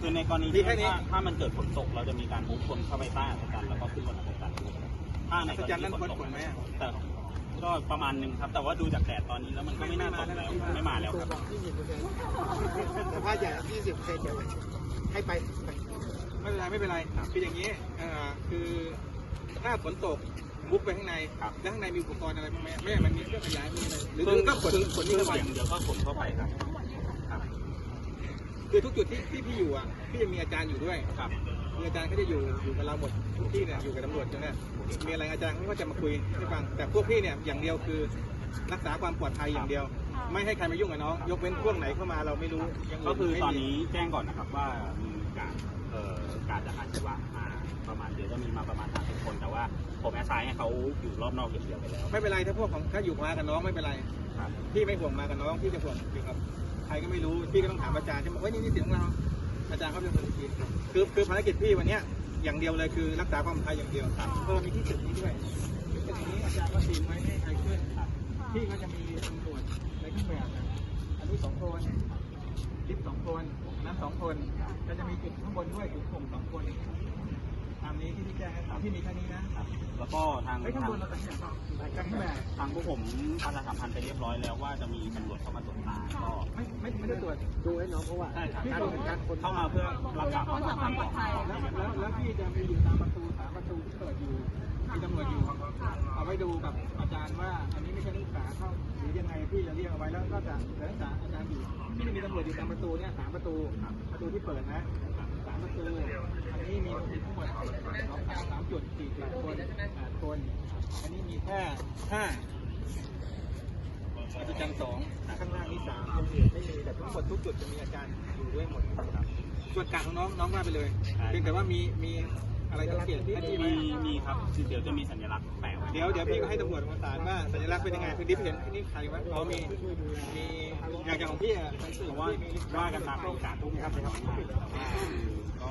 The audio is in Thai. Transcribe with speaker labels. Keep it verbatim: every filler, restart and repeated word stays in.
Speaker 1: คือในกรณีที่ถ้าถ้ามันเกิดฝนตกเราจะมีการมุกคนเข้าไปใต้อาจารย์แล้วก็ขึ้นบนอาจารย์ถ้าในกรณีที่ฝนตกไหมแต่ก็ประมาณหนึ่งครับแต่ว่าดูจากแดดตอนนี้แล้วมันก็ไม่น่าตกแล้วไม่มาแล้วครับ
Speaker 2: แต่ผ้าใหญ่ยี่สิบเซนเดียวให้ไปไม่เป็นไรไม่เป็นไรคืออย่างนี้คือถ้าฝนตกบุกไปข้างในแล้วข้างในมีอุปกรณ์อะไรบ้างไหมไม่มันมีเครื่องขยายมีอะไรหรือก็ขนขนนี่เข้าไป
Speaker 1: อย่างเดียวก็ขนเข้าไปครับ
Speaker 2: คือทุกจุดที่ที่พี่อยู่อ่ะพี่จะมีอาจารย์อยู่ด้วยครับมีอาจารย์เขาจะอยู่อยู่กับเราหมดทุกที่เนี่ยอยู่กับตำรวจใช่ไหมมีอะไรอาจารย์เขาก็จะมาคุยให้ฟังแต่พวกพี่เนี่ยอย่างเดียวคือรักษาความปลอดภัยอย่างเดียวไม่ให้ใครมายุ่งกับน้องยกเว้นพวกไหนเข้ามาเราไม่รู้
Speaker 1: ก็คือตอนนี้แจ้งก่อนนะครับว่ามีการเอ่อการจากอาชีวะมาประมาณเดี๋ยวจะมีมาประมาณสามสิบคนแต่ว่าผมแอสไซน์ให้เขาอยู่รอบนอกอย่างเดียวไปแล้ว
Speaker 2: ไม่เป็นไรถ้าพวกของถ้าอยู่มากับน้องไม่เป็นไรพี่ไม่ห่วงมากับน้องพี่จะห่วงอยู่กับใครก็ไม่รู้พี่ก็ต้องถามอาจารย์ใช่ไหมว่านี่นี่เสียงของเราอาจารย์เขาเป็นคนคิดคือคือภารกิจพี่วันนี้อย่างเดียวเลยคือรักษาความปลอดภัยอย่างเดียวเออมีที่จุดนี้ด้วยจุดนี้อาจารย์ก็ตีไว้ให้ใครขึ้นพี่ก็จะมีตำรวจในเครื่องแบบอันนี้สองคนลิฟต์สองคนนั้นสองคนก็จะมีจุดข้างบนด้วยจุดส่งสองคนตามนี้ที่พี่แจ้งให้ที่มีแค่นี้นะ
Speaker 1: แล้วก็ทาง
Speaker 2: ข้างบนเราตัดสินใจกันแบบ
Speaker 1: ทางพวกผมประชาสัมพันธ์ไปเรียบร้อยแล้วว่าจะมีตำรวจเข้ามาตรวจตาก็
Speaker 2: ไม่ไม่ไม่ได้ตรวจดูให้น้องเพราะว่า
Speaker 1: การการคนเข้ามาเพื่อรักษาความปลอดภัย
Speaker 2: แล้วแล้วแล้วพี่จะไปอยู่ตามประตูสามประตูที่เปิดอยู่มีตำรวจอยู่เอาไว้ดูกับอาจารย์ว่าอันนี้ไม่ใช่นักศึกษาเข้าหรือยังไงพี่จะเรียกเอาไว้แล้วก็จะนักศึกษาอาจารย์อยู่ที่มีตำรวจอยู่ตามประตูเนี่ยสามประตูประตูที่เปิดนะสามประตูอันนี้มีทั้งหมดสามจุดสี่สิบคนแปดคนอันนี้มีแค่ห้าอาจารย์สองข้างล่างนี่สามคนอื่นไม่มีแต่ทั้งหมดทุกจุดจะมีอาจารย์อยู่ด้วยหมดครับส่วนกลางของน้องน้องว่าไปเลยเพียงแต่ว่ามีมีอะไรสังเกตที่
Speaker 1: มีมีครับเดี๋ยวจะมีสัญลักษณ์แปะ
Speaker 2: เดี๋ยวเดี๋ยวพี่ก็ให้ตำรวจมาสารว่าสัญลักษณ์เป็นยังไงคือดิฟเห็นนี่ใครวะเขามีมีอย่างของพี่อ่ะ
Speaker 1: ว่าว่ากันตามโอกาสทุกครับ